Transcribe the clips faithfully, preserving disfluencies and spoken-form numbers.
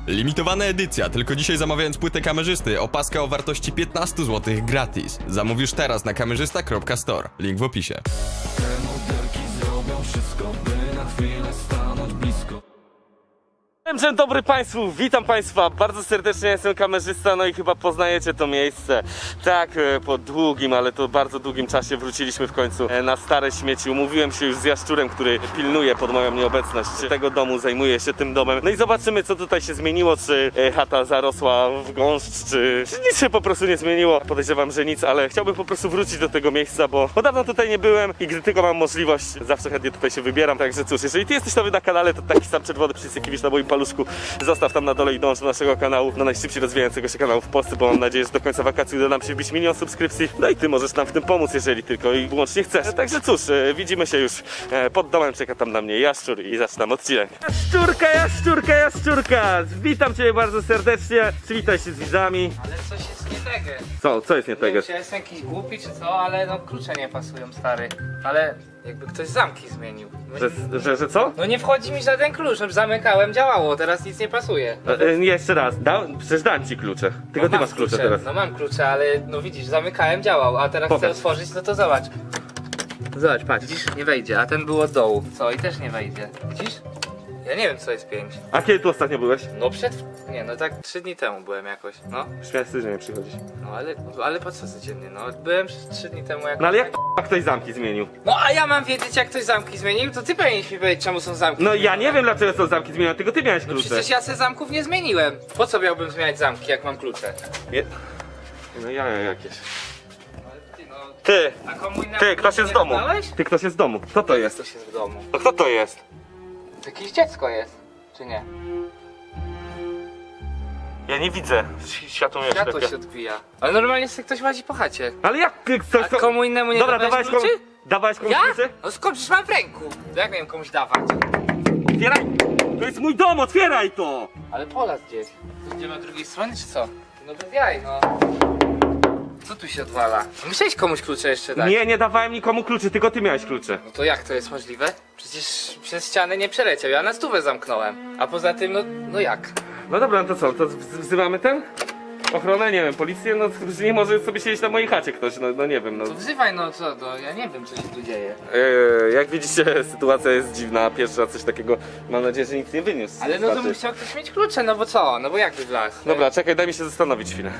Limitowana edycja, tylko dzisiaj zamawiając płytę kamerzysty, opaska o wartości piętnaście złotych gratis. Zamówisz teraz na kamerzysta kropka store. Link w opisie. Te modelki zrobią wszystko, by na chwilę stanąć blisko. Dzień dobry Państwu, witam Państwa bardzo serdecznie, jestem kamerzysta, no i chyba poznajecie to miejsce. Tak, po długim, ale to bardzo długim czasie wróciliśmy w końcu na stare śmieci. Umówiłem się już z Jaszczurem, który pilnuje pod moją nieobecność tego domu, zajmuje się tym domem. No i zobaczymy, co tutaj się zmieniło, czy chata zarosła w gąszcz, czy, czy nic się po prostu nie zmieniło. Podejrzewam, że nic, ale chciałbym po prostu wrócić do tego miejsca, bo, bo dawno tutaj nie byłem i gdy tylko mam możliwość, zawsze chętnie tutaj się wybieram. Także cóż, jeżeli Ty jesteś nowy na kanale, to taki sam czerwony przycisk, jaki widzisz na moim paluszku, zostaw tam na dole i dąż do naszego kanału, do najszybciej rozwijającego się kanału w Polsce, bo mam nadzieję, że do końca wakacji uda nam się wbić milion subskrypcji. No i Ty możesz nam w tym pomóc, jeżeli tylko i wyłącznie chcesz. Także cóż, widzimy się już pod domem, czeka tam na mnie Jaszczur i zaczynam odcinek. Jaszczurka, Jaszczurka, Jaszczurka! Witam Cię bardzo serdecznie, przywitaj się z widzami. Ale coś jest nie tego. Co, co jest nie Nie wiem, tego? czy ja jestem jakiś głupi czy co, ale no klucze nie pasują, stary. Ale jakby ktoś zamki zmienił. No, Że, że, że co? no nie wchodzi mi żaden klucz, no zamykałem, działało, teraz nic nie pasuje. No, E, e, jeszcze raz, da, przecież dałem Ci klucze, tylko no Ty mam masz klucze teraz. No mam klucze, ale no widzisz, zamykałem, działał, a teraz Pokaż. chcę otworzyć, no to zobacz. Zobacz, patrz, widzisz, nie wejdzie, a ten był od dołu. Co, i też nie wejdzie. Widzisz? Ja nie wiem, co jest pięć. A kiedy tu ostatnio byłeś? No przed... nie, no tak trzy dni temu byłem jakoś, no. Śmiałeś że nie przychodzić. No ale, ale po co codziennie, no. Byłem trzy dni temu jakoś. No ale jak k***a ktoś zamki zmienił? No a ja mam wiedzieć, jak ktoś zamki zmienił, to ty powinieneś mi powiedzieć, czemu są zamki. No ja zmienione. nie wiem dlaczego są zamki zmienione, tylko Ty miałeś No klucze. przecież ja se zamków nie zmieniłem. Po co miałbym zmieniać zamki, jak mam klucze? Nie... No ja jakieś. Ale ty, no... Ty! A komu innemu Ty, ktoś nie jest w domu! dałeś? Ty, ktoś jest w domu. Kto to jest? Ktoś jest w domu. No kto to jest? To jakieś dziecko jest, czy nie? Ja nie widzę. Światło mnie Światło się odbija. Ale normalnie sobie ktoś łazi po chacie. Ale jak ty ktoś... A komu innemu nie Dobra, dawałeś dawałeś komuś... kluczy? Dawałeś komuś Ja? kluczy? No skąd, przecież mam w ręku. To jak miałem komuś dawać? Otwieraj! To jest mój dom, otwieraj to! Ale Polas gdzieś. To idziemy od drugiej strony, czy co? No bez jaj, no. Co tu się odwala? Musiałeś komuś klucze jeszcze dać. Nie, nie dawałem nikomu kluczy, tylko Ty miałeś klucze. No to jak to jest możliwe? Przecież przez ścianę nie przeleciał, ja na stówę zamknąłem. A poza tym, no, no jak? No dobra, no to co, to wz- wzywamy ten? Ochronę, nie wiem, policję, no że nie może sobie siedzieć na mojej chacie ktoś, no, no nie wiem, no. To wzywaj, no co, no ja nie wiem, co się tu dzieje. Eee, jak widzicie, sytuacja jest dziwna, pierwszy raz coś takiego, mam nadzieję, że nic nie wyniósł. Ale no to Znaczy- musiał ktoś mieć klucze, no bo co? No bo jakby wlazł? Dobra, czekaj, daj mi się zastanowić chwilę.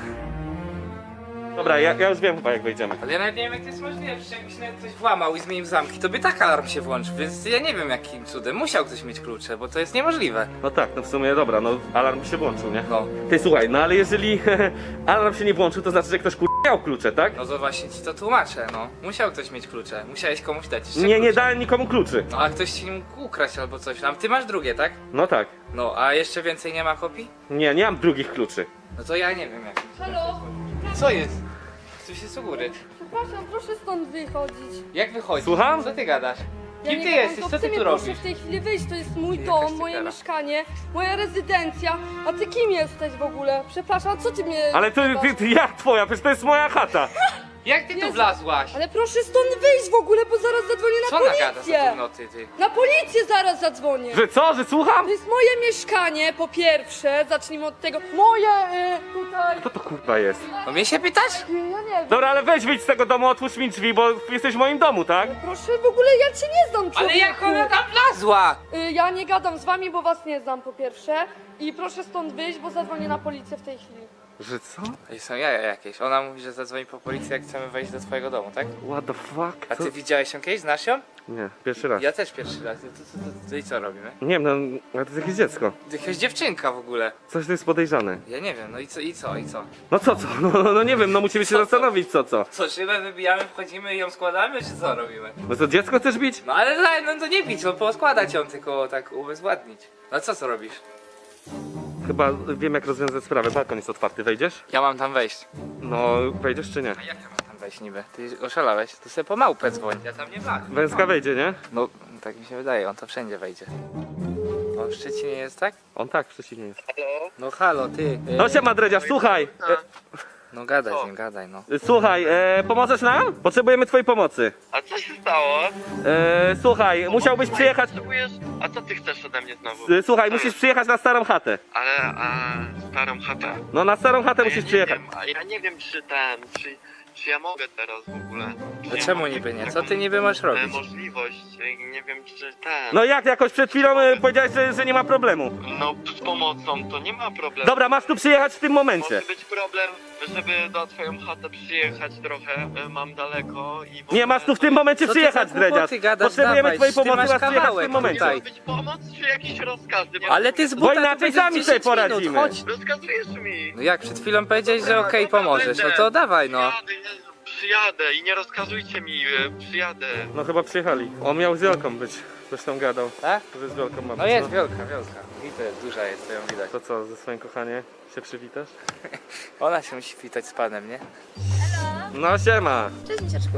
Dobra, ja, ja już wiem chyba jak wejdziemy. Ale ja nawet nie wiem, jak to jest możliwe, przecież jakby się nawet ktoś włamał i zmienił zamki, to by tak alarm się włączył, więc ja nie wiem jakim cudem. Musiał ktoś mieć klucze, bo to jest niemożliwe. No tak, no w sumie dobra, no alarm się włączył, nie? No. Ty słuchaj, no ale jeżeli alarm się nie włączył, to znaczy, że ktoś kur... miał klucze, tak? No to właśnie ci to tłumaczę, no. Musiał ktoś mieć klucze, musiałeś komuś dać jeszcze Nie, nie klucze. dałem nikomu kluczy. No a ktoś ci nie mógł ukraść albo coś, a ty masz drugie, tak? No tak. No, a jeszcze więcej nie ma kopii? Nie, nie mam drugich kluczy. No to ja nie wiem jak. Halo? Co jest? Ktoś jest u góry. Przepraszam, proszę stąd wychodzić. Jak wychodzi? Słucham? Co ty gadasz? Ja Kim nie ty gadam, jesteś? to Co chce ty mnie tu proszę robisz? w tej chwili wyjść, to jest mój Jakaś dom, ty moje gada. mieszkanie, moja rezydencja. A ty kim jesteś w ogóle? Przepraszam, co ty mnie... Ale to ty, ty, jak twoja? Przecież to jest moja chata. Jak ty tu Jezu. wlazłaś? Ale proszę stąd wyjść w ogóle, bo zaraz zadzwonię na Co nagadasz za policję. gównoty, ty? Na policję zaraz zadzwonię. Że co, że słucham? To jest moje mieszkanie, po pierwsze, zacznijmy od tego. Moje, y, tutaj... Kto to kurwa jest? No mnie się pytasz? y, Ja nie wiem. Dobra, ale weź wyjdź z tego domu, otwórz mi drzwi, bo jesteś w moim domu, tak? Proszę, w ogóle ja cię nie znam, Ale człowieku. jak ona tam wlazła? Y, Ja nie gadam z wami, bo was nie znam po pierwsze. I proszę stąd wyjść, bo zadzwonię na policję w tej chwili. Że co? Ej, są jaja jakieś. Ona mówi, że zadzwoni po policję, jak chcemy wejść do twojego domu, tak? What the fuck? A Co? ty widziałeś ją kiedyś? Znasz ją? Nie, pierwszy raz. Ja też pierwszy raz. To, to, to, to i co robimy? Nie wiem, no, ale to jest jakieś dziecko. To jakaś dziewczynka w ogóle. Coś to jest podejrzane. Ja nie wiem, no i co, i co, i co? No co, co? No, no, no nie wiem, no musimy się Co, co? zastanowić, co, co? Co, szybę wybijamy, wchodzimy i ją składamy, czy co robimy? No to dziecko chcesz bić? No ale daj, no to nie bić, no poskładać ją, tylko tak ubezwładnić. No co co robisz? Chyba wiem, jak rozwiązać sprawę. Balkon jest otwarty, wejdziesz? Ja mam tam wejść. No, wejdziesz czy nie? A jak ja mam tam wejść niby? Ty oszalałeś? To sobie po małpę dzwoń. Ja tam nie wlazłem. Węska wejdzie, nie? No, tak mi się wydaje, on to wszędzie wejdzie. On w Szczecinie jest, tak? On tak, przeciwnie jest. No halo, ty. No siema, Dredziarz, słuchaj! E, No gadaj z nim, gadaj no. Słuchaj, e, pomożesz nam? Potrzebujemy twojej pomocy. A co się stało? E, słuchaj, musiałbyś przyjechać... Potrzebujesz... A co ty chcesz ode mnie znowu? e, Słuchaj, musisz przyjechać na starą chatę. Ale, a starą chatę? No na starą chatę A ja musisz nie przyjechać. wiem, a ja nie wiem czy ten, czy, czy ja mogę teraz w ogóle. Czy No ja czemu mogę niby mieć nie? Co taką, ty niby masz e, robić? możliwość, e, nie wiem czy ten... No jak, jakoś przed chwilą e, powiedziałeś, że, że nie ma problemu. No z pomocą to nie ma problemu. Dobra, masz tu przyjechać w tym momencie. Może być problem, żeby do twoją chatę przyjechać trochę, e, mam daleko i... w Nie, ogóle masz tu w to tym jest- momencie Co ty przyjechać, za głupoty Dredziarz. gadasz? Potrzebujemy Dawaj, twojej ty pomocy, masz masz przyjechać w kawałek tym momencie. tutaj. Ma być pomoc czy jakiś rozkaz? Bo- Ale ty z Bo buta inaczej to będzie sami dziesięć sobie poradzimy. minut, chodź. Rozkazujesz mi. No jak przed chwilą powiedziałeś, że okej, Dobra, pomożesz, no będę. to dawaj no. Przyjadę, Jezu, przyjadę i nie rozkazujcie mi, e, przyjadę. No chyba przyjechali. On miał z Wielką być. Zresztą gadał, Tak? że z Wielką ma być. No jest wielka, wielka. I to jest duża jest, to ją widać. To co, ze swoim kochaniem się przywitasz? Ona się musi witać z panem, nie? No siema. Cześć, misiaczku.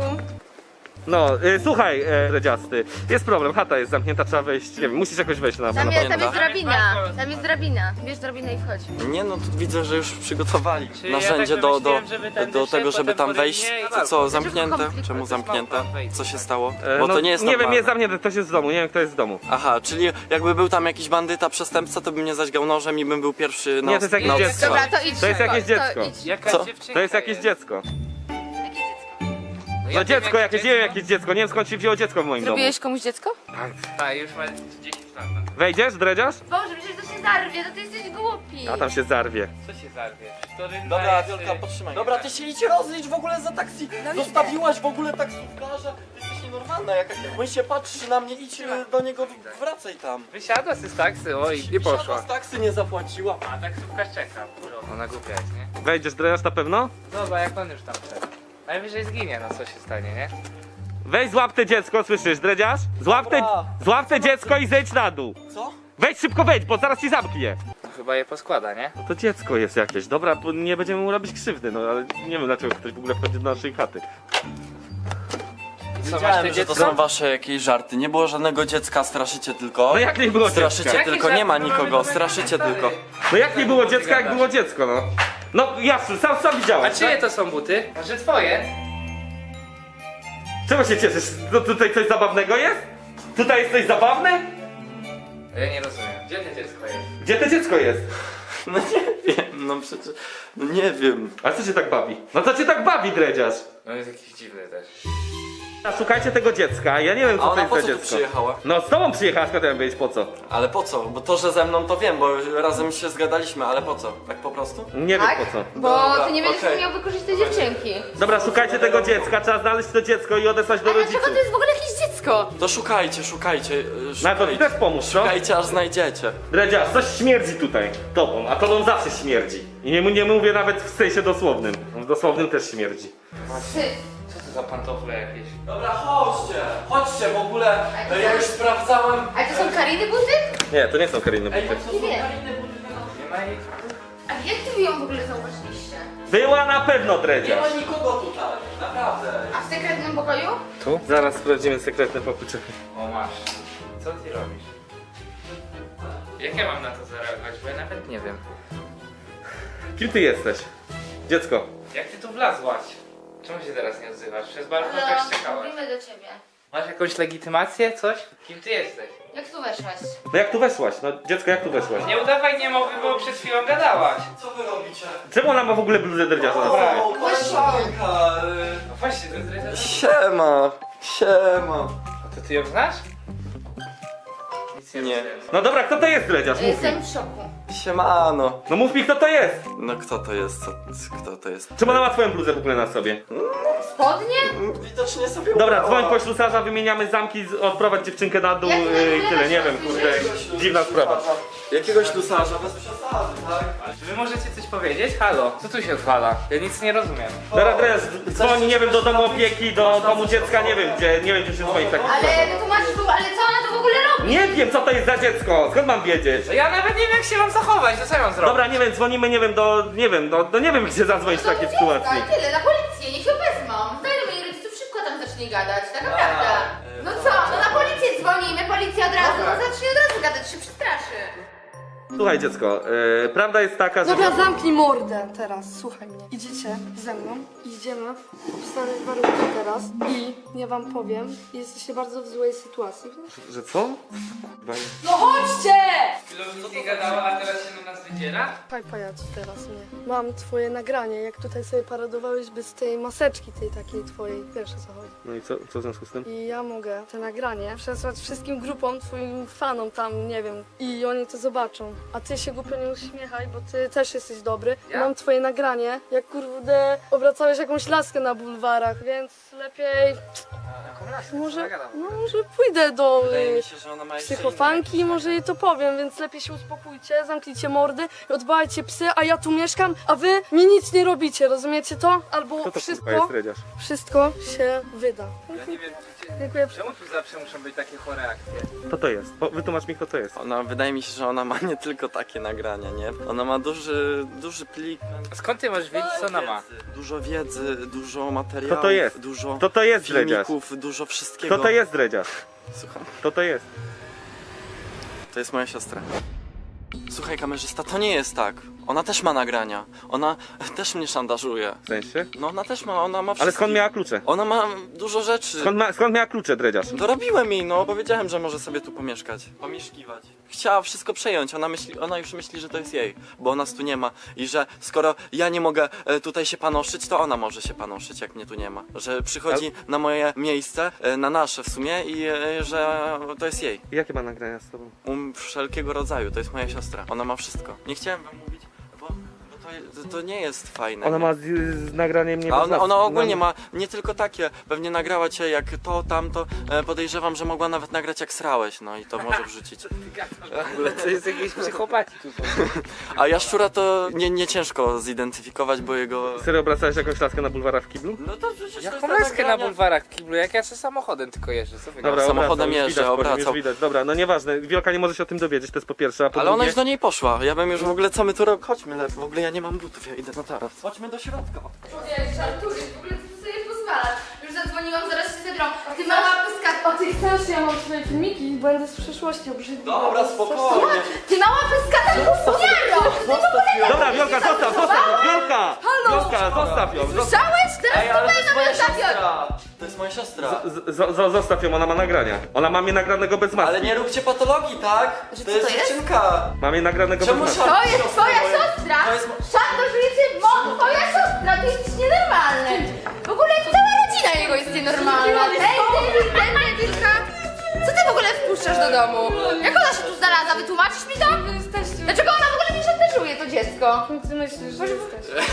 No, y, słuchaj, e, Dredziasty, jest problem, chata jest zamknięta, trzeba wejść, nie wiem, musisz jakoś wejść na Tam na jest, tam pewno. jest drabina, tam jest drabina. Bierz drabinę i wchodź. Nie no, tu widzę, że już przygotowali Czy ja narzędzie tak do, do, wymyśliłem, żeby ten do wyszedł, tego, żeby potem tam wejść. podejdzie i To walką. co, zamknięte? komplikuj, Czemu to zamknięte? małpa wejdzie. Co się stało? E, Bo no, to nie jest Nie wiem, normalne. jest zamknięte, ktoś jest w domu, nie wiem kto jest w domu. Aha, czyli jakby był tam jakiś bandyta, przestępca, to by mnie zaćgał nożem i bym był pierwszy na Nie, to jest os- jakieś na dziecko. ostrzał. Dobra, to idź. To jest jakieś to dziecko. idź. Jaka Co? dziewczynka To jest jakieś dziecko. Jakie dziecko? No No ja dziecko wiem, jakieś, nie wiem jakieś dziecko, nie wiem skąd się wzięło dziecko w moim domu. Zrobiłeś komuś dziecko? Tak, już ma dziesięć lat. Wejdziesz, Dredziarz? Boże, przecież to się zarwie, to ty jesteś głupi. A tam się zarwie. Co się zarwie? To rynna Dobra, jest, Wielka, y, potrzymaj. Dobra, ty się idź rozlicz w ogóle za taksi. Zostawiłaś w ogóle taksówkarza. Ty jesteś nienormalna. Jak on się patrzy na mnie, idź y, do niego, wracaj tam. Wysiadła z taksy, oj, i Wysiadła poszła. z taksy, nie zapłaciła. A taksówkarz czeka. Ona głupia jest, nie? Wejdziesz, Dredziarz, na pewno? Dobra, jak on już tam wszedł. Najwyżej zginie, no co się stanie, nie? Weź złap te dziecko, słyszysz, Dredziarz? Złap te, Dobra. złap te dziecko i zejdź na dół. Co? Wejdź szybko, wejdź, bo zaraz ci zamknie. No, chyba je poskłada, nie? No to dziecko jest jakieś, dobra, bo nie będziemy mu robić krzywdy, no ale nie wiem dlaczego ktoś w ogóle wchodzi do naszej chaty. I co, masz te Wiedziałem, że to dziecko? są wasze jakieś żarty. Nie było żadnego dziecka, straszycie tylko. No jak nie było Straszycie dziecka? tylko, nie ma nikogo, straszycie tylko. No jak nie było dziecka, jak było dziecko, no. No jasne, sam, sam A widziałeś, czyje tak? to są buty? Może twoje? Czego się cieszysz? No tutaj coś zabawnego jest? Tutaj jest coś zabawne? Ja nie rozumiem. Gdzie to dziecko jest? Gdzie to dziecko jest? No nie wiem, no przecież... No nie wiem. A co cię tak bawi? No co cię tak bawi, Dredziarz? No jest jakiś dziwny też. A szukajcie tego dziecka, ja nie wiem A co to ona jest po za co tu dziecko. przyjechała? No z tobą przyjechała, skąd ja mam wiedzieć po co? Ale po co? Bo to, że ze mną to wiem, bo razem się zgadaliśmy, ale po co? Tak po prostu? Nie Tak? wiem po co. Bo Dobra, ty nie będziesz okej. umiał wykorzystać dziewczynki. Dobra, szukajcie tego dziecka, trzeba znaleźć to dziecko i odesłać do Ale dlaczego rodziców. to jest w ogóle jakieś dziecko? To szukajcie, szukajcie, yy, Na to mi szukajcie. też pomóż, co? Szukajcie, aż znajdziecie. Dredziarz, coś śmierdzi tutaj tobą, a tobą zawsze śmierdzi. I nie, nie mówię nawet w sensie dosłownym. W dosłownym też śmierdzi. Ty. Co to za pantofle jakieś? Dobra, chodźcie, chodźcie w ogóle. to Ja są- już sprawdzałem. Ale to są Kariny buty? Nie, to nie są Kariny Ej, buty. to są Nie wiem. fajne buty. Nie ma jej. A jak ty wy ją w ogóle zauważyliście? Była na pewno, Nie ma Dredziarz. nikogo tutaj, naprawdę. A w sekretnym pokoju? Zaraz sprawdzimy sekretne pokój. O masz. Co ty robisz? Jak ja mam na to zareagować? Bo ja nawet nie wiem. Kim ty jesteś? Dziecko. Jak ty tu wlazłaś? Czemu się teraz nie odzywasz? Przez balkon też Halo, czekałaś. mówimy do ciebie. Masz jakąś legitymację? Coś? Kim ty jesteś? Jak tu weszłaś? No jak tu weszłaś? No dziecko, jak tu weszłaś? Nie udawaj niemowy, bo przed chwilą gadałaś. Co wy robicie? Czemu ona ma w ogóle bluzę Dredziarza na sobie? O, koleżanka. y, No właśnie, to zdradzę. Siema, siema. A to ty ją znasz? Nic nie, Nie. rozumiem. No dobra, kto to jest Dredziarz? Mów mi. Jestem w szoku. Siemano. No mów mi, kto to jest? No kto to jest? Co, kto to jest? Czemu ona ma twoją bluzę w ogóle na sobie? Spodnie? Widocznie sobie Dobra, ubrała. dzwoń po ślusarza, wymieniamy zamki, z- odprowadź dziewczynkę na dół Jak yy, ty i tyle, nie wiem, kurde, dziwna sprawa. Jakiegoś lusarza, bez przesady, tak? Czy wy możecie coś powiedzieć? Halo? Co tu się odwala? Ja nic nie rozumiem. Dobra, Dredziarz, dzwoń, nie wiem, do domu opieki, do domu dziecka, nie wiem gdzie, nie wiem gdzie się dzwoni w takich Ale sprawach. wytłumaczysz, w ogóle- ale co ona tu w ogóle robi? Nie wiem, co to jest za dziecko, skąd mam wiedzieć? No ja nawet nie wiem jak się mam zachować, to co ja mam zrobić? Dobra, nie wiem, dzwonimy, nie wiem, do, nie wiem, do, do nie wiem gdzie zadzwonić w No to takiej dziecka, sytuacji. i tyle, na policję, niech ją wezmą. Znajdę moich rodziców, szybko tam zacznie gadać, tak naprawdę. No co, no na policję dzwonimy, policja od razu, no zacznie od razu gadać, się przestraszy. Słuchaj dziecko, yy, prawda jest taka, że... Dobra, zamknij mordę teraz, słuchaj mnie. Idziecie ze mną, idziemy, obstawiać warunki teraz i ja wam powiem, jesteście bardzo w złej sytuacji. Że co? No chodźcie! Chwilą nic nie gadała, a teraz się na nas wydziera? Słuchaj pajacu teraz mnie. Mam twoje nagranie, jak tutaj sobie paradowałeś bez tej maseczki tej takiej twojej. Wiesz o co chodzi. No i co, co w związku z tym? I ja mogę te nagranie przesłać wszystkim grupom, twoim fanom tam, nie wiem, i oni to zobaczą. A ty się głupio nie uśmiechaj, bo ty też jesteś dobry. Ja? Mam twoje nagranie, jak kurde obracałeś jakąś laskę na bulwarach, więc lepiej... Jaką laskę? Może, Co no, może pójdę do Wydaje y, mi się, że ona ma jeszcze psychofanki i może jej to powiem, więc lepiej się uspokójcie, zamknijcie mordy i odbałajcie psy, a ja tu mieszkam, a wy mi nic nie robicie, rozumiecie to? Albo Co to wszystko, kurwa jest dredziarz? wszystko się wyda. Ja nie wiem, gdzie... Dziękuję. Czemu tu zawsze muszą być takie chore akcje? Co to jest? Po, wytłumacz mi, kto to jest. Ona, wydaje mi się, że ona ma nie tylko takie nagrania, nie? Ona ma duży, duży plik. A skąd ty możesz wiedzieć, co ona ma? Dużo wiedzy, dużo materiałów. Kto to jest? Dużo Kto to jest dredziarz? filmików, dużo wszystkiego. Kto to jest dredziarz? Słucham. Kto to jest? To jest moja siostra. Słuchaj, kamerzysta, to nie jest tak. Ona też ma nagrania. Ona też mnie szantażuje. W sensie? No ona też ma, ona ma wszystko. Ale skąd miała klucze? Ona ma dużo rzeczy. Skąd, ma, skąd miała klucze dredziarz? Dorobiłem jej, no, powiedziałem, że może sobie tu pomieszkać, pomieszkiwać. Chciała wszystko przejąć, ona myśli, ona już myśli, że to jest jej, bo nas tu nie ma i że skoro ja nie mogę e, tutaj się panoszyć, to ona może się panoszyć, jak mnie tu nie ma. Że przychodzi na moje miejsce, e, na nasze w sumie i e, że to jest jej. Jakie ma nagrania z tobą? Um, wszelkiego rodzaju, to jest moja siostra, ona ma wszystko. Nie chciałem wam mówić, bo, bo to, to nie jest fajne. Ona nie? ma z, z nagraniem nie A ona, ona ogólnie ma nie tylko takie, pewnie nagrała cię jak to, tamto, e, podejrzewam, że mogła nawet nagrać jak srałeś, no i to może wrzucić. W ogóle to jest jakiś psychopati tutaj. A jaszczura to nie, nie ciężko zidentyfikować, bo jego... Serio obracałeś jakąś laskę na bulwarach w kiblu? No to przecież Jaką to jest laskę na nagrania. bulwarach w kiblu, jak ja se samochodem tylko jeżdżę, co wy Dobra, samochodem obracał, już jeżdżę, widać po nim, obracał. Już widać. Dobra, no nieważne, Wielka nie może się o tym dowiedzieć, to jest po pierwsze, a po Ale ona drugie... już do niej poszła, ja bym już w ogóle, co my tu robimy? Chodźmy, le- w ogóle ja nie mam butów, ja idę na taras. Chodźmy do środka. Człowiek, żartujesz, w ogóle ty sobie pozwalasz. Już zadzwoniłam, zaraz się zebrą. Ty mała pyska, A ty chcesz, ja mam twoje filmiki i będę z przyszłości obrzydliwa. Dobra, spokojnie. ty mała pyska, tak gówniaro! Dobra, Wielka, zostaw, zostaw ją, Wielka! Wielka, zostaw ją, zostaw, Słyszałeś? Teraz Ej, to ale to będę jest moja na takiego. siostra! To jest moja siostra. z, z, z, zostaw ją, ona ma nagrania. Ona ma mnie nagranego bez maski. Ale nie róbcie patologii, tak? Że To co jest to jest? dziewczynka. Ma mnie nagranego Czemu bez maski. To jest twoja siostra! To jest mo- Szantażujecie, bo twoja siostra, ty jesteś nienormalny! W ogóle cała rodzina jego jest nienormalna! Ej, ty, ten Wilka! Co ty w ogóle wpuszczasz do domu? Jak ona się tu znalazła? Wytłumaczysz mi to? Wy jesteście... Dlaczego ona w ogóle mnie szantażuje, to dziecko? Kim ty myślisz, że jesteś?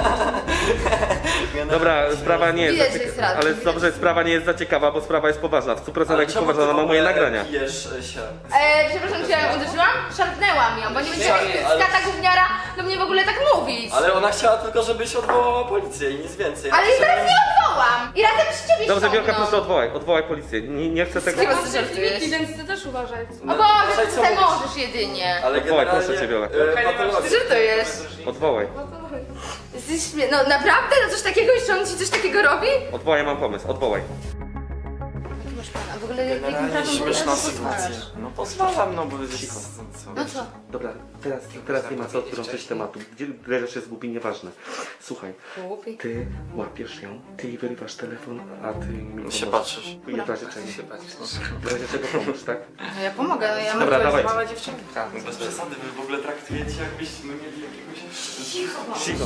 Dobra, sprawa nie jest Widać, za że jest ciekawa. rad. Ale dobrze, sprawa nie jest za ciekawa, bo sprawa jest poważna. W stu procentach jest czemu poważna, ty ona w ma moje ogóle nagrania. Pijesz się. E, przepraszam, czy ja ją uderzyłam? Szarpnęłam ją, bo nie będzie Ale- jakaś skata gówniara do mnie w ogóle tak mówić. Ale ona chciała tylko, żebyś odwołała policję i nic więcej. Ale jej teraz nie odwołam! I razem z ciebie Dobrze, Wielka, ściągną. proszę odwołaj, odwołaj policję. Nie, nie chcę tego... kim Mam ty twoje żartujesz? filmiki, więc ty też uważaj. O Boże, Słuchaj, ty co tutaj mówisz? możesz jedynie. Ale Odwołaj, generalnie, proszę cię, Wiola. e, patologia. Co to jest? Odwołaj. Jesteś śmie... No naprawdę? No coś takiego jeszcze on ci coś takiego robi? Odwołaj, mam pomysł, odwołaj. A w ogóle jakim Generalnie prawem w ogóle śmieszna na to sytuacja. pozwalasz? No pozwalam, no bo... Cicho. Co? No co? Dobra, teraz, teraz nie ma co odtrącać tematu. Gdzie leżysz jest głupi, nieważne. Słuchaj, Głupi. ty łapiesz ją, ty jej wyrywasz telefon, a ty mi Się pomożesz. patrzysz. I w razie czego? W razie czego pomóż, tak? No ja pomogę, no ja mam Dobra, to jest dawaj. mała dziewczynka. Bez przesady, wy w ogóle traktujecie jakbyśmy mieli jakiegoś... Cicho.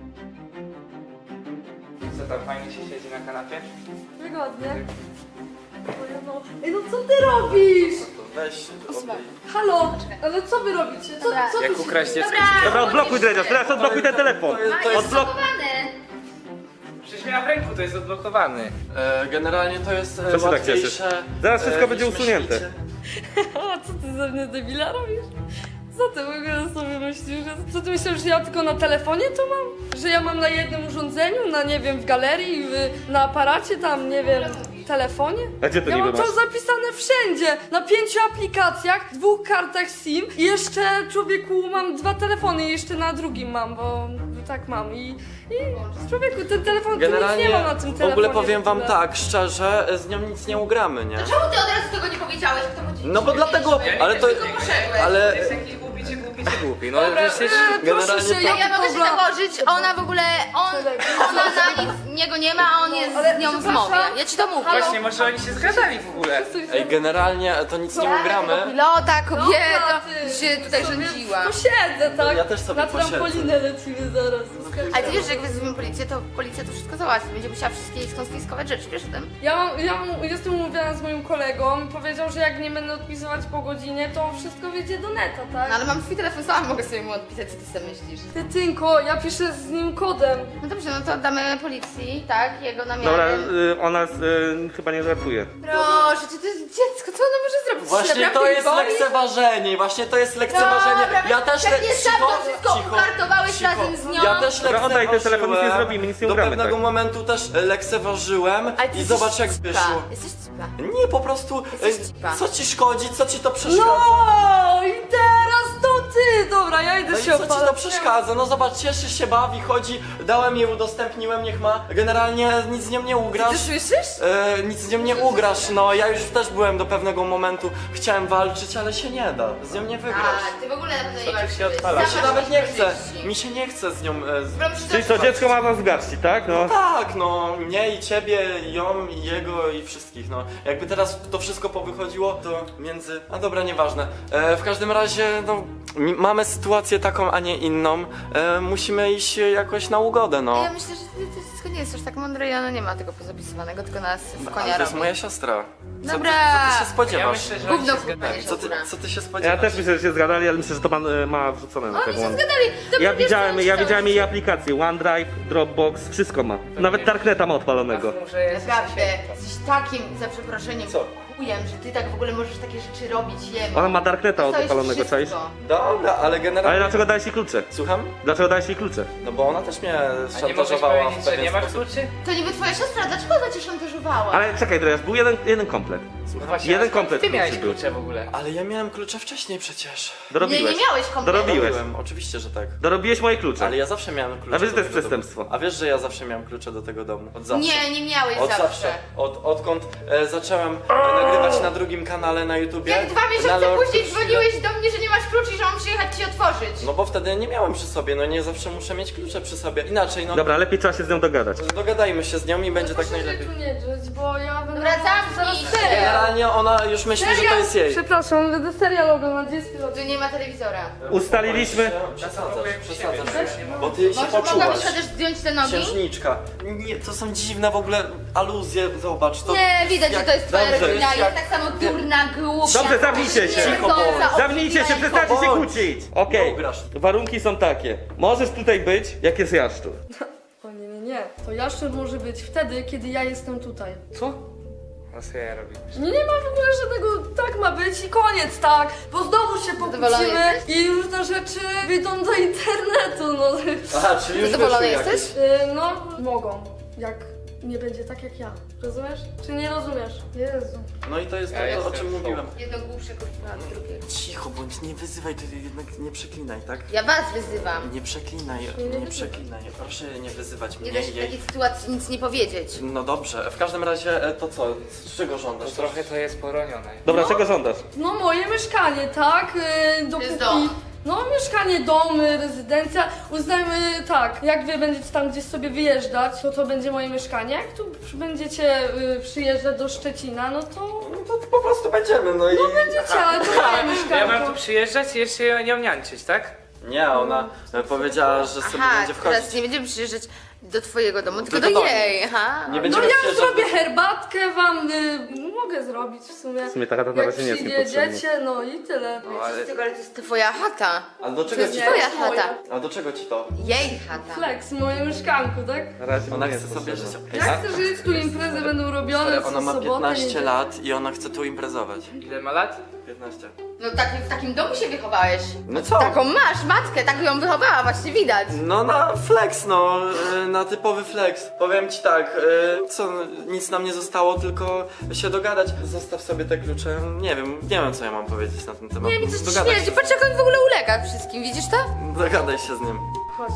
Co tam, fajnie się siedzi na kanapie? Wygodnie. No. Ej, no co ty robisz? Weź, obej. Halo, ale co wy robicie? Co, Dobra. co tu Jak się ukraść dzieje? dziecko? Dobra, odblokuj dredziarz, teraz odblokuj ten telefon. To jest- to A, jest Odblok... schowany. Przecież miała w ręku, to jest odblokowany. E, generalnie to jest e, Co się tak łatwiejsze. cieszysz? Zaraz wszystko e, będzie niż usunięte. myślicie. A co ty ze mnie debila robisz? Co ty w ogóle sobie myślisz? Że, co ty myślisz, że ja tylko na telefonie to mam? Że ja mam na jednym urządzeniu, na nie wiem, w galerii, w, na aparacie tam, nie wiem, telefonie? A gdzie to Ja niby mam to masz? zapisane wszędzie, na pięciu aplikacjach, dwóch kartach SIM i jeszcze, człowieku, mam dwa telefony i jeszcze na drugim mam, bo tak mam i, i człowieku, ten telefon, tu nic Generalnie nie mam na tym w telefonie. ogóle powiem wam ogóle. tak, szczerze, z nią nic nie ugramy, nie? Czemu ty od razu tego nie powiedziałeś? Kto po ci No bo dlatego, ale to, Tylko poszedłeś. ale Jest jakiś głupi czy głupi, jesteście głupi. No Dobra, przecież... e, proszę generalnie się, to- Ja, ja mogę się dobra. założyć, ona w ogóle, on, ona na nic niego nie ma, a on jest Ale z nią w przepraszam. mowie. Ja ci to mówię. Właśnie, może oni się zgadali w ogóle. Ej, generalnie to nic nie ugramy. Pilota, Dobra, kobieta, ty, się tutaj sobie rządziła. Posiedzę, tak? Ja też sobie Na posiedzę. trampolinę lecimy zaraz. Ale ty wiesz, że jak wezwiemy policję, to policja to wszystko załatwi. Będzie musiała wszystkie jej skonfiskować rzeczy, wiesz o tym? Ja, mam, ja mam, jestem umówiona z moim kolegą. Powiedział, że jak nie będę odpisywać po godzinie, to wszystko wyjdzie do neta, tak? No ale mam twój telefon, sama mogę sobie mu odpisać, co ty sobie myślisz. Ty Tynko, ja piszę z nim kodem. No dobrze, no to oddamy policji, tak? Jego namiarem. Dobra, y, ona y, chyba nie żartuje. Proszę, czy to jest dziecko, co ono może zrobić? Właśnie Naprawdę to jest boli? lekceważenie, właśnie to jest lekceważenie. Dobra, Ja też le... pewnie sam to cicho, wszystko cicho, ukartowałeś cicho. razem z nią. Ja też Dobra, oddaj ten telefon, nic nie lekceważyłem. zrobimy, nic nie Do ugramy, pewnego tak. momentu też e, lekceważyłem Ale ty i jesteś zobacz jak cipa. wyszło. Jesteś cipa. Nie, po prostu, Jesteś e, cipa. co ci szkodzi, co ci to przeszkadza? No i teraz to ty! Dobra, ja idę No i się co ci opalać. to przeszkadza? No zobacz, cieszy się, bawi, chodzi, dałem jej, udostępniłem, niech ma. Generalnie nic z nią nie ugrasz. Ty słyszysz? E, nic z nią nie ugrasz, no ja już też byłem do pewnego momentu, chciałem walczyć, ale się nie da, z nią nie wygrasz. A, ty w ogóle na pewno nie walczysz. się odpala? Mi się nawet nie chce, mi się nie chce z nią... E, z... Czyli co, dziecko ma nas w garści, tak? No. Tak, no, mnie i ciebie, i ją, i jego, i wszystkich, no. Jakby teraz to wszystko powychodziło, to między... A dobra, nieważne. E, w każdym razie, no, mi- mamy sytuację taką, a nie inną. E, musimy iść jakoś na ugodę, no. Ja myślę, że ty, ty wszystko nie jest aż tak mądre i ona nie ma tego pozapisywanego, tylko nas w Ale konia to jest robi. moja siostra. Co, Dobra. ty, co ty się Ja spodziewasz? myślę, że oni Gówno się kurwa zgadali. nie Co ty, co ty się spodziewasz? Ja też myślę, że się zgadali, ale myślę, że to pan y, ma wrzucone na Oni tego się One. zgadali. Dobra, Ja wiesz, widziałem, co, ja co- widziałem jej aplikację, OneDrive, Dropbox, wszystko ma. Nawet Darkneta ma odpalonego. Może jest Naprawdę, jesteś takim, za przeproszeniem, Co? chujem, że ty tak w ogóle możesz takie rzeczy robić jemu. Ona ma Darkneta To jest odpalonego, wszystko. czaisz? Dobra, ale generalnie... Ale dlaczego dałeś jej klucze? Słucham? Dlaczego dałeś jej klucze? No bo ona też mnie A nie możesz szantażowała w powiedzieć, że pewien nie masz sposób. kluczy? To niby twoja siostra, dlaczego ona cię szantażowała? Ale czekaj, Drejas, był jeden, jeden komplet. No właśnie, Jeden a skąd komplet Ty miałeś kluczy był. klucze w ogóle. Ale ja miałem klucze wcześniej przecież. Nie, Dorobiłeś. nie miałeś kompletu. Dorobiłeś. Robiłem, oczywiście, że tak. Dorobiłeś moje klucze. Ale ja zawsze miałem klucze A wiesz, że do to jest tego domu. przestępstwo. A wiesz, że ja zawsze miałem klucze do tego domu? Od zawsze. Nie, nie miałeś Od zawsze. zawsze. Od, odkąd e, zacząłem e, nagrywać na drugim kanale na YouTubie. Jak dwa na miesiące Lord później Chwilę- dzwoniłeś do mnie, że nie masz kluczy i że mam przyjechać ci otworzyć. No bo wtedy nie miałem przy sobie, no nie zawsze muszę mieć klucze przy sobie. Inaczej, no Dobra, lepiej trzeba się z nią dogadać. dogadajmy się z nią i będzie tak Proszę najlepiej. się tu nie drzeć, bo ja będę... Dobra, zamknij zaraz się. serial. Generalnie ona już myśli, że to jest jej. Przepraszam, będę serial oglądać, gdzie jest pilot? Tu nie ma telewizora. Ustaliliśmy... Przesadzasz, przesadzasz. Bo ty się Może poczułaś. mogłabyś chociaż zdjąć te nogi? Księżniczka. Nie, to są dziwne w ogóle aluzje, zobacz to. Nie, widać, że jak- to jest twoja dobrze, rodzina. jak- Jest tak samo durna, głupia. Dobrze, zamknijcie się. Cicho, bądź. Zamknijcie się, przestańcie się kłócić! Okej, Nie ugrasz. warunki są takie. Możesz tutaj być, jak jest jaszczur. O nie, nie, nie. To jaszczur może być wtedy, kiedy ja jestem tutaj. Co? No co ja robię? Nie, nie ma w ogóle żadnego, tak ma być i koniec, tak? Bo znowu się Zadowolony pokłócimy jesteś? i różne rzeczy wyjdą do internetu, no. Aha, czyli już Zadowolony wyszły jakieś. jesteś? Y, no, mogą. Jak nie będzie tak jak ja. Rozumiesz? Czy nie rozumiesz? Jezu. No i to jest Ja to, o jestem czym w mówiłem. Jedno głupsze kurwa od drugiego. Cicho bądź, nie wyzywaj, ty jednak nie przeklinaj, tak? Ja was wyzywam. Nie przeklinaj, nie nie wyzywaj. przeklinaj. Proszę nie wyzywać Nie mnie da się i w jej. takiej sytuacji nic nie powiedzieć. No dobrze, w każdym razie e, to co? Z czego żądasz? No trochę to jest poronione. Dobra, czego żądasz? No moje mieszkanie, tak? Y, dopóki... dom. No mieszkanie, dom, y, rezydencja. Uznajmy tak, jak wy będziecie tam gdzieś sobie wyjeżdżać, to to będzie moje mieszkanie. Jak tu będziecie y, przyjeżdżać do Szczecina, no to No to po prostu będziemy, no i... będziecie, ale to moje Ja mieszkanie. mam tu przyjeżdżać i jeszcze ją niańczyć, tak? Nie, ona e, powiedziała, że sobie Aha, będzie wchodzić. teraz nie będziemy przyjeżdżać do twojego domu, tylko Tylko do do jej. Aha. Nie No będziemy ja przyjeżdżać zrobię do- herbatkę wam, y, mogę zrobić w sumie. W sumie ta chata na Jak razie nie jest niepotrzebna. przyjedziecie, no i tyle. No, ale... Tylko, ale to jest twoja chata. A do To czego jest ci twoja jest moja. chata. A do czego ci to? Jej chata. Flex, moje mieszkanku, tak? Na razie Ona nie chce jest sobie potrzebna. żyć. Ja chcę żyć, tu imprezy będą robione, Ona ma sobotę, piętnaście niedzielę. lat i ona chce tu imprezować. Ile ma lat? piętnaście. No tak, w takim domu się wychowałeś. No co? Taką masz, matkę, tak ją wychowała, właśnie widać. No na flex, no, y, na typowy flex. Powiem ci tak, y, co, nic nam nie zostało, tylko się dogadać. Zostaw sobie te klucze, nie wiem, nie wiem co ja mam powiedzieć na ten temat. Nie, mi coś Dogadaj śmierdzi, się. patrz jak on w ogóle ulega wszystkim, widzisz to? Dogadaj się z nim. Chodź,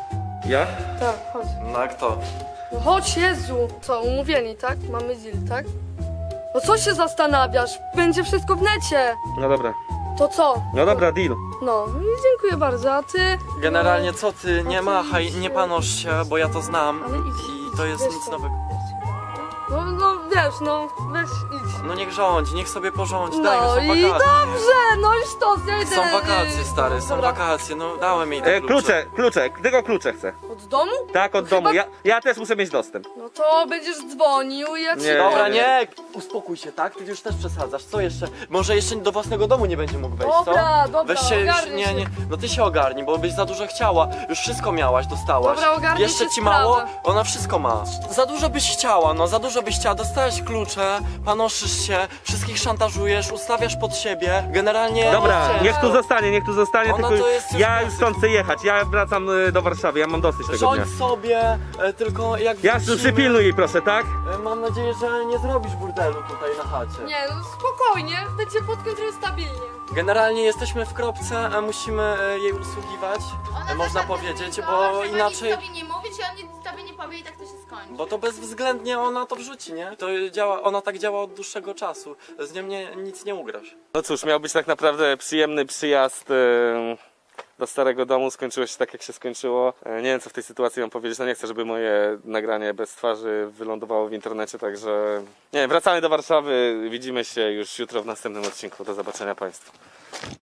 Ja? tak, chodź. No a kto? No chodź, Jezu! Co, umówieni, tak? Mamy deal, tak? No co się zastanawiasz? Będzie wszystko w necie! No dobra. To co? No dobra, deal. No, i dziękuję bardzo, a ty? Generalnie co ty, nie No, machaj, oczywiście. nie panosz się, bo ja to znam Ale idź, i idź, to jest wiesz nic co? nowego. No, no wiesz, no, weź idź. No niech rządzi, niech sobie porządzi, daj, no No są i wakacje. dobrze, no już to, ja idę. Są wakacje, y, stary, są dobra. wakacje, no dałem jej te E, klucze, klucze, tylko klucze chcę. Od domu? Tak, od No domu. chyba- Ja, ja też muszę mieć dostęp. No to będziesz dzwonił i ja ci Nie. Dobra, powiem. nie, uspokój się, tak? Ty już też przesadzasz, co jeszcze? Może jeszcze do własnego domu nie będzie mógł wejść, co? Dobra, dobra, Weź się już, ogarnij nie, się. nie, no ty się ogarnij, bo byś za dużo chciała, już wszystko miałaś, dostałaś. Dobra, ogarnij Jeszcze się ci sprawa. mało, ona wszystko ma. Za dużo byś chciała, no za dużo byś chciała, dostałeś klucze, panoszysz się, wszystkich szantażujesz, ustawiasz pod siebie, generalnie... Dobra, Wiesz, niech tu zostanie, niech tu zostanie, Ona tylko to jest już ja klasyk. już stąd chcę jechać. Ja wracam y, do Warszawy, ja mam dosyć tego dnia. Rządź sobie, e, tylko jak Ja wrócimy, przypilnuj jej, proszę, tak? e, mam nadzieję, że nie zrobisz burdelu tutaj na chacie. Nie, no spokojnie, będzie pod kontrolą stabilnie. Generalnie jesteśmy w kropce, a musimy e, jej usługiwać, e, można powiedzieć, bo inaczej... Nic tobie nie mówić i on nic tobie nie powie i tak to się skończy. Bo to bezwzględnie ona to wrzuci, nie? To działa, ona tak działa od dłuższego czasu. Z nią nie, nic nie ugrasz. No cóż, miał być tak naprawdę przyjemny przyjazd y, do starego domu, skończyło się tak jak się skończyło. E, Nie wiem co w tej sytuacji mam powiedzieć, no nie chcę, żeby moje nagranie bez twarzy wylądowało w internecie, także nie wiem, wracamy do Warszawy, widzimy się już jutro w następnym odcinku, do zobaczenia Państwu.